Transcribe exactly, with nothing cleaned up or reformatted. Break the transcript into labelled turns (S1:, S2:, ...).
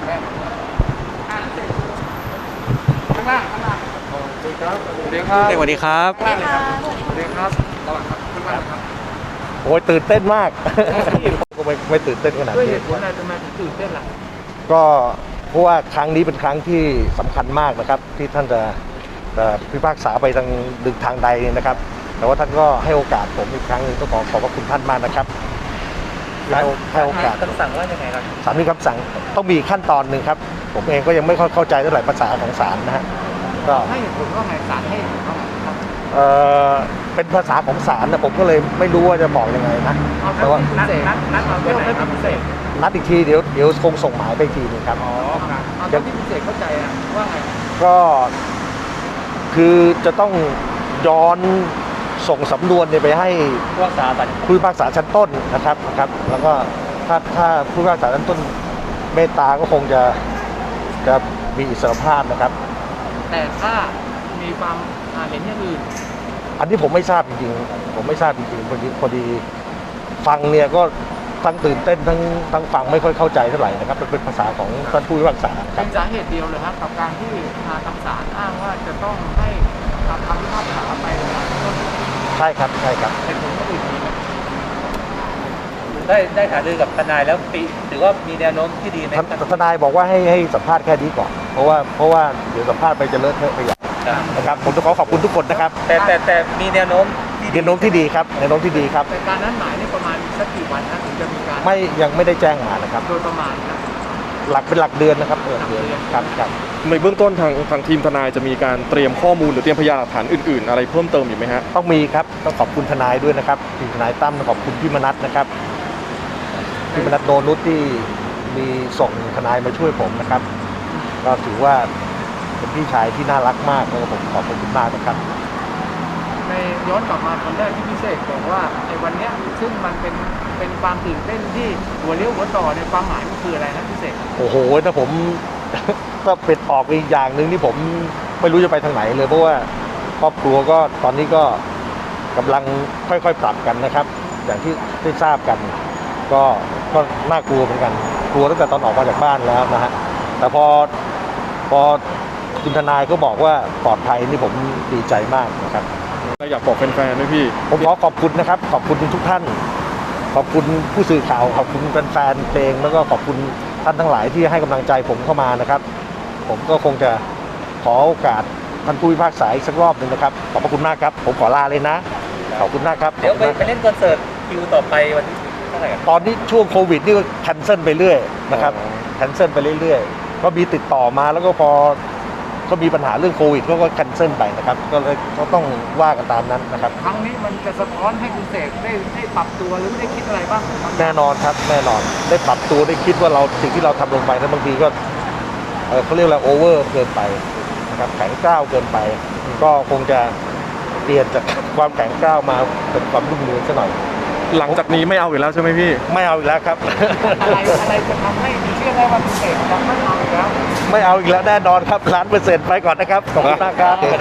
S1: ได้อ่านเสร็จข้างล่างข้างล่างสวัสดีครับสวัสดีครับ
S2: สวัสดีครับ
S1: ข้างล่างเลยครับสวัสดีครับระหว่างครับข้างล่างครับ
S3: โอ้ยตื่นเต้นมาก ก็ไม่ไม่ตื่นเต้นขนาด
S1: ด้วยเห
S3: นี้
S1: ตุผลอะไรทำไมถึงตื่นเต้นล่ะ
S3: ก็เพราะว่าครั้งนี้เป็นครั้งที่สำคัญมากนะครับ ที่ท่านจะจะพิพากษาไปทางดึงทางใดนะครับ แต่ว่าท่านก็ให้โอกาสผมอีกครั้งหนึงต้องขอขอบพระคุณท่านมากนะครับให้ให้โอกาส
S2: คำสั่งว่ายังไงครับ
S3: ศาลมีคำสั่งต้องมีขั้นตอนหนึ่งครับ ผมเองก็ยังไม่ค่อยเข้าใจเท่าไหร่ภาษาของศาลนะฮะก็
S1: ให้เหตุผลว่าไงศาลให้เหตุผลว่าไงครับ
S3: เอ่อเป็นภาษาของศาลนะผมก็เลยไม่รู้ว่าจะบอกยังไงนะ
S1: เอา
S3: แต่ว่า
S1: นัดนัดนัดเอาเรื่องให้พิเศษ
S3: นัดอีกทีเดี๋ยวเดี๋ยวคงส่งหมายไปอีกทีหนึงครับ
S1: อ๋อครับเอาเรื่องที่พิเศษเข้าใจอะว่าไง
S3: ก็คือจะต้องย้อนส่งสำนวนเนี่ยไปให้
S2: ผู้รักษาสัตว์
S3: ผู้พิพากษาชั้นต้นนะครับนะครับ แล้วก็ถ้าถ้าผู้พิพากษาชั้นต้นเมตตาก็คงจะจะมีอิสรภาพนะครับ
S1: แต่ถ้ามีความอ่าเห็นอย่างอื่น
S3: อันนี้ผมไม่ทราบจริงๆผมไม่ทราบจริงๆพอดีพอดีฟังเนี่ยก็ทั้งตื่นเต้นทั้งทั้งฟังไม่ค่อยเข้าใจเท่าไหร่นะครับมันเป็นภาษาของท่านผู้พิพากษาค
S1: เป็
S3: รับ
S1: นสาเหตุเดียวเลยครับกับการที่ทางศาลอ้างว่าจะต้องให้ทำคำพิพากษาไปในต้น
S3: ใช่ครับใช่ครับ
S1: เหตุผลก็อื่นมีไหม
S2: ได้ได้หารือกับทนายแล้วปีถือว่ามีแนวโน้มที่ดีไหม
S3: ททนายบอกว่าให้ให้สัมภาษณ์แค่นี้ก่อนเพราะว่าเพราะว่าเดี๋ยวสัมภาษณ์ไปจะเลอะเทอะไปใหญ่
S2: ครับ
S3: นะครับผมต้องขอขอบคุณทุกคนนะครับ
S2: แต่แต่แต่มีแนวโน้มที่ดี
S3: แนวโน้มที่ดีครับแนวโน้มที่ดีครับ
S1: แต่การนัดหมายนี่ประมาณสักกี่วันนะถึงจะมีการ
S3: ไม่ยังไม่ได้แจ้งมานะครับ
S1: โดยประมาณนะ
S3: หลักเป็นหลักเดือนนะครับเออเดือนครับครับ
S4: ในเบื้องต้นทางทางทีมทนายจะมีการเตรียมข้อมูลหรือเตรียมพยานหลักฐานอื่นๆ อะไรเพิ่มเติมอยู่ไหมฮะ
S3: ต้องมีครับต้องขอบคุณทนายด้วยนะครับทีมทนายตั้มขอบคุณพี่มนัสนะครับพี่มนัสโนนุชที่มีส่งทนายมาช่วยผมนะครับ ก็ถือว่าเป็นพี่ชายที่น่ารักมากแล้วก็ผมขอบคุณมากนะครับ
S1: ในย้อนกลับมาตอนแรกที่พิเศษบอกว่าในวันเนี้ยซึ่งมันเป็นเป็นความตื่นเต้นที่หัวเลี้ยวหัวต่อในความหมายมันคืออะไรนะพิเศษ
S3: โอ้โหถ้าผม ก็เป็นออกอีกอย่างหนึ่งที่ผมไม่รู้จะไปทางไหนเลยเพราะว่าครอบครัวก็ตอนนี้ก็กำลังค่อยๆปรับกันนะครับ อย่างที่ได้ทราบกัน ก็ก็น่ากลัวเหมือนกันกลัวตั้งแต่ตอนออกมาจากบ้านแล้วนะฮะแต่พอพอคุณทนายก็บอกว่าปลอดภัยนี่ผมดีใจมากนะครับ
S4: อยากบอกแฟนๆด้วยพี่
S3: ผมขอขอบคุณนะครับ ขอบคุณทุกท่าน ขอบคุณผู้สื่อข่าวขอบคุณแฟนๆเพลงแล้วก็ขอบคุณท่านทั้งหลายที่ให้กำลังใจผมเข้ามานะครับ ผมก็คงจะขอโอกาสท่านผู้พิพากษาอีกสักรอบหนึ่งนะครับขอบพระคุณมากครับผมขอลาเลยนะขอบคุณมากครับ
S2: เดี๋ยวไป
S3: ขอบ
S2: ไป
S3: คุณมาก
S2: เล่นคอนเสิร์ตคิวต่อไปวันที่เท่าไหร่ครับ
S3: ตอนนี้ช่วงโควิดนี่ก็แคนเซิลไปเรื่อยนะครับแคนเซิลไปเรื่อยๆก็มีติดต่อมาแล้วก็พอก็มีปัญหาเรื่องโควิดก็ก็แคนเซิลไปนะครับก็เลยก็ต้องว่ากันตามนั้นนะครับ
S1: ครั้งนี้มันจะสะท้อนให้คุณเสกได้ได้ปรับตัวหรือได้คิดอะไรบ้างครับ
S3: แน่นอนครับแน่นอนได้ปรับตัวได้คิดว่าเราสิ่งที่เราทำลงไปนั้นบางทีก็เอ่อเขาเรียกอะไรโอเวอร์เกินไปนะครับแข็งกร้าวเกินไป ก็คงจะเปลี่ยนจากความแข็งกร้าวมาเป็นความรุ่มเรืองซะหน่อย
S4: หลังจากนี้ไม่เอาอีกแล้วใช่ไหมพี่
S3: ไม่เอาอีกแล้วครับ
S1: อะไรอะไรจะทำให้เชื่อได้ว่าคุณเสกจะไม่เอาอีกแล้ว
S3: ไม่เอาอีกแล้วแน่นอนครับล้านเปอร์เซ็นต์ไปก่อนนะครับขอบคุณมากครับ